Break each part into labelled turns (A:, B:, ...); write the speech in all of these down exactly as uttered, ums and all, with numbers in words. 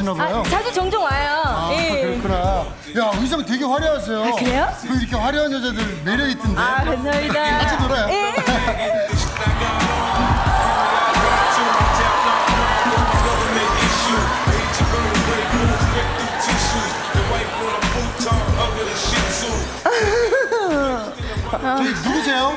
A: 좋아하시나 봐요.
B: 아, 자주 종종 와요.
A: 아,
B: 예.
A: 그렇구나. 야, 의상 되게 화려하세요.
B: 아, 그래요?
A: 그 이렇게 화려한 여자들 매력 있던데.
B: 아, 감사합니다.
A: 같이 놀아요.
B: 예.
A: 저기 누구세요?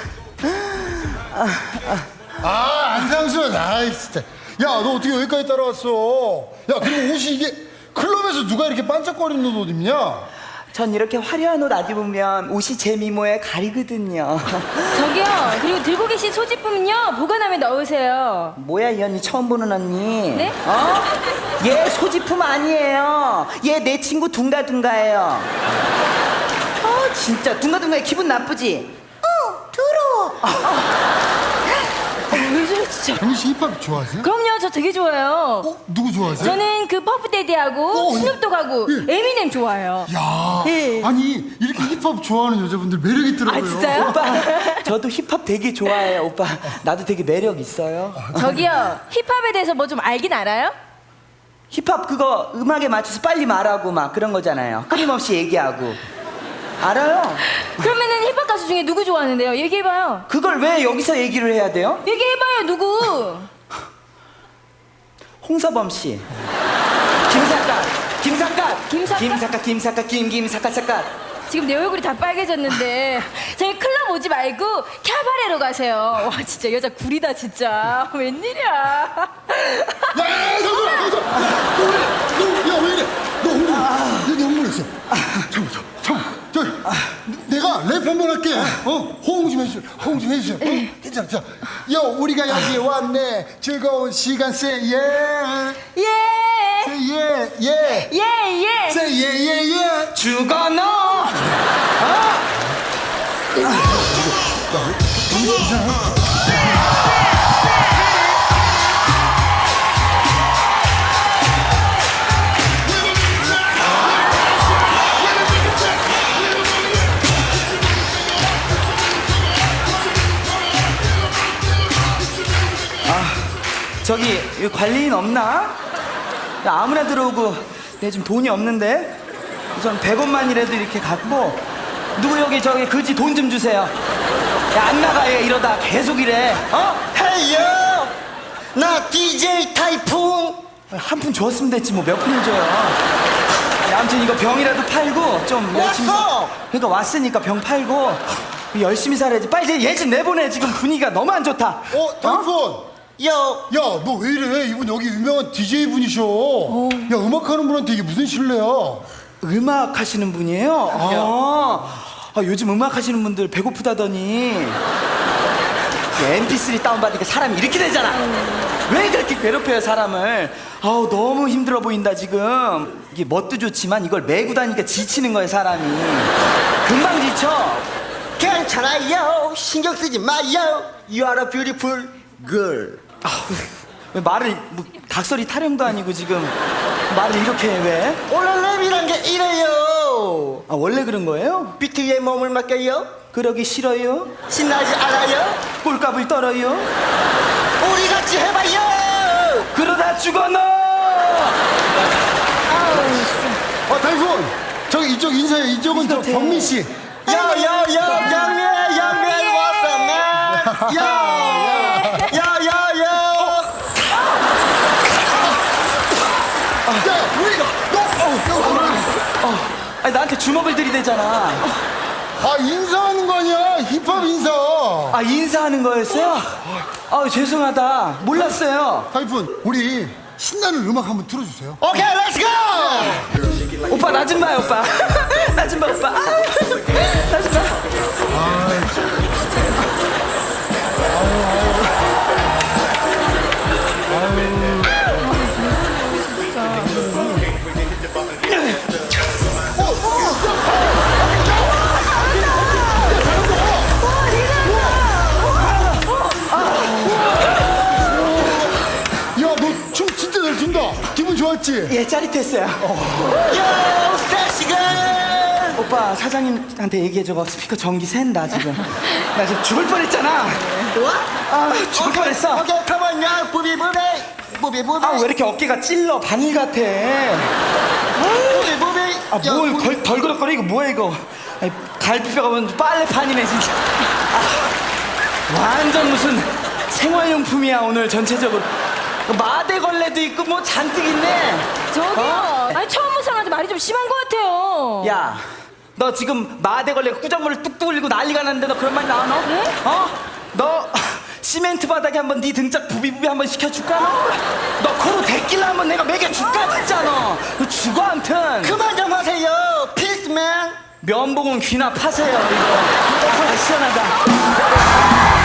A: 아, 안상수. 아이 진짜. 야, 너 어떻게 여기까지 따라왔어? 야, 그리고 옷이 이게 클럽에서 누가 이렇게 반짝거리는 옷 입냐?
C: 전 이렇게 화려한 옷 안 입으면 옷이 제 미모에 가리거든요.
B: 저기요. 그리고 들고 계신 소지품은요. 보관함에 넣으세요.
C: 뭐야 이 언니 처음 보는 언니?
B: 네?
C: 어? 얘 소지품 아니에요. 얘 내 친구 둥가둥가예요. 어 진짜 둥가둥가에 기분 나쁘지? 어 더러워.
B: 어, 왜 저래 진짜.
A: 정희 씨 힙합 좋아하세요?
B: 그럼요. 저 되게 좋아해요.
A: 어? 누구 좋아하세요?
B: 저는 그 퍼프데디하고
A: 어, 예.
B: 스눕독하고
A: 예.
B: 에미넴 좋아해요.
A: 야,
B: 예.
A: 아니 이렇게 힙합 좋아하는 여자분들 매력 있더라고요.
B: 아, 진짜요?
C: 오빠 저도 힙합 되게 좋아해요. 오빠 나도 되게 매력 있어요.
B: 저기요. 힙합에 대해서 뭐 좀 알긴 알아요?
C: 힙합 그거 음악에 맞춰서 빨리 말하고 막 그런 거잖아요. 끊임없이 얘기하고. 알아요?
B: 그러면은 힙합 가수 중에 누구 좋아하는데요? 얘기해봐요.
C: 그걸 왜 여기서 얘기를 해야 돼요?
B: 얘기해봐요. 누구?
C: 홍서범 씨, 김삿갓, 김삿갓,
B: 김삿갓?
C: 김삿갓, 김삿갓, 김김삿갓삿갓.
B: 지금 내 얼굴이 다 빨개졌는데 저희 클럽 오지 말고 캬바레로 가세요. 와 진짜 여자 구리다 진짜. 웬일이야.
A: 야, 야, 잠깐만, 잠깐만. 너, 야, 왜 이래? 너 흥분, 아. 너 흥분했어. 잠깐만, 잠깐만, 잠깐만. 저, 내가 랩 한번 할게. 어, 호응 좀 해주세요. 호응 좀 해주세요. 어? 괜찮아, 자, 요, 우리가 여기에 왔네. 즐거운 시간, say yeah,
B: 예.
A: say yeah, yeah,
B: 예 예.
A: say yeah, yeah, yeah.
C: 죽어 너. 저기 여기 관리인 없나? 야, 아무나 들어오고 내 지금 돈이 없는데 우선 백 원만이라도 이렇게 갖고 누구 여기 저기 그지 돈 좀 주세요. 야, 안 나가요 이러다 계속 이래. 어?
D: 헤이요! 나 디제이 타이푼!
C: 한 푼 줬으면 됐지 뭐 몇 푼을 줘요. 야, 아무튼 이거 병이라도 팔고 좀 열심히
D: 왔어!
C: 사- 그러니까 왔으니까 병 팔고 열심히 살아야지. 빨리 얘 좀 내보내. 지금 분위기가 너무 안 좋다.
A: 어, 타이폰.
D: 요!
A: 야, 너 왜 이래? 이분 여기 유명한 디제이 분이셔. 야, 음악하는 분한테 이게 무슨 신뢰야?
C: 음악 하시는 분이에요? 아, 아, 요즘 음악 하시는 분들 배고프다더니 엠피쓰리 다운받으니까 사람이 이렇게 되잖아. 왜 그렇게 괴롭혀요 사람을? 아우 너무 힘들어 보인다 지금. 이게 멋도 좋지만 이걸 메고 다니니까 지치는 거예요 사람이. 금방 지쳐.
D: 괜찮아요! 신경 쓰지 마요! You are a beautiful girl!
C: 왜 말을 뭐 닭소리 타령도 아니고 지금 말을 이렇게 해 왜?
D: 원래 랩이란 게 이래요!
C: 아 원래 그런 거예요?
D: 비트 위에 몸을 맡겨요?
C: 그러기 싫어요?
D: 신나지 않아요?
C: 꼴값을 떨어요?
D: 우리 같이 해봐요!
C: 그러다 죽어 너!
A: 어, 타이폰. 저기 이쪽 인사해. 이쪽은 저
C: 인사해.
A: 경민 씨.
D: 요요요! 영미야 영미야 왔어 나! 요! 요요요!
A: 야, 왜 이거? 너, 어,
C: 아니 나한테 주먹을 들이대잖아.
A: 아, 인사하는 거 아니야? 힙합 인사.
C: 아 인사하는 거였어요? 아 죄송하다 몰랐어요.
A: 타이푼, 우리 신나는 음악 한번 틀어주세요.
D: 오케이 렛츠고!
C: 오빠 나 좀 봐요 오빠. 나 좀 봐 오빠. 나 좀 봐.
A: 야, 너 춤 진짜 잘 춘다. 기분 좋았지?
C: 예 짜릿했어요.
D: 요! 섹시걸!
C: 오빠 사장님한테 얘기해줘. 스피커 전기 샌다 지금. 나 지금 죽을 뻔했잖아.
D: 뭐?
C: 아 죽을 뻔했어.
D: 오케이 컴온 야 부비부비 뭐배 뭐배
C: 아 왜 이렇게 어깨가 찔러 바늘 같아.
D: 뭐배 뭐배
C: 아뭘 덜그럭거려 이거 뭐야 이거. 아이, 갈비뼈가 뭔 빨래판이네 진짜. 아, 완전 무슨 생활용품이야 오늘 전체적으로. 마대걸레도 있고 뭐 잔뜩 있네.
B: 저기요.
C: 어?
B: 아니 처음 본 사람한테 말이 좀 심한 것 같아요.
C: 야, 너 지금 마대걸레 꾸정물을 뚝뚝 흘리고 난리가 났는데 너 그런 말 나와 너?
B: 네?
C: 어? 너 시멘트 바닥에 한번 네 등짝 부비부비 한번 시켜줄까 너? 너 코로 데킬라 한번 내가 먹여줄까 진짜 너? 너 죽어 암튼.
D: 그만 좀 하세요 필스맨
C: 면봉은 귀나 파세요 이거. 아, 시원하다.